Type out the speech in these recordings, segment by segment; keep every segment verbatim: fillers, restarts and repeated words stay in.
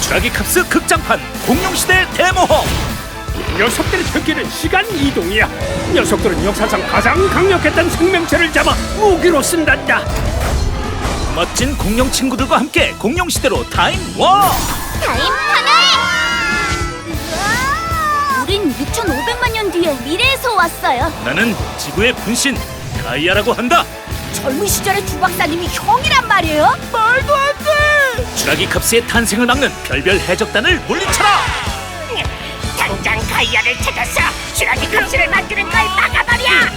주라기 캅스 극장판 공룡시대 대모험. 녀석들의 특기는 시간 이동이야. 녀석들은 역사상 가장 강력했던 생명체를 잡아 무기로 쓴단다. 멋진 공룡 친구들과 함께 공룡시대로 타임 워. 타임 파멸! 우린 육천오백만 년 뒤에 미래에서 왔어요. 나는 지구의 분신 가이아라고 한다. 젊은 시절의 주 박사님이 형이란 말이에요? 말도 안 돼! 주라기 캅스의 탄생을 막는 별별 해적단을 물리쳐라. 당장 가이아를 찾아서 주라기 캅스를 만드는 걸 막아버려!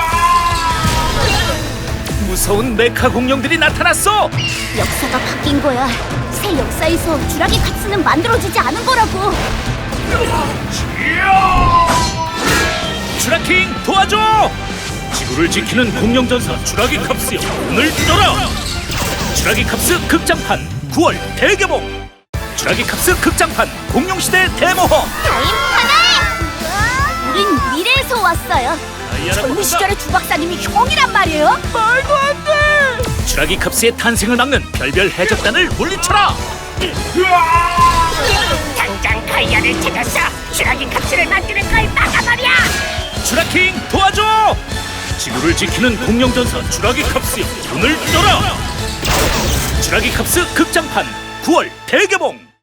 무서운 메카 공룡들이 나타났어. 역사가 바뀐 거야. 새 역사에서 주라기 캅스는 만들어지지 않은 거라고. 주라킹 도와줘. 지구를 지키는 공룡 전사 주라기 캅스여, 오늘 떠라. 주라기 캅스 극장판 구월 대개봉. 주라기 캅스 극장판 공룡시대 대모험. 타임 파멸! 우린 미래에서 왔어요. 가이아라고 젊은 한다. 시절의 주 박사님이 형이란 말이에요? 말도 안 돼! 주라기 캅스의 탄생을 막는 별별 해적단을 물리쳐라. 당장 가이아를 찾아서 주라기 캅스를 만드는 걸 막아버려! 주라킹 도와줘. 지구를 지키는 공룡 전사 주라기 캅스여, 오늘 떠라. 주라기 캅스 극장판 구월 대개봉.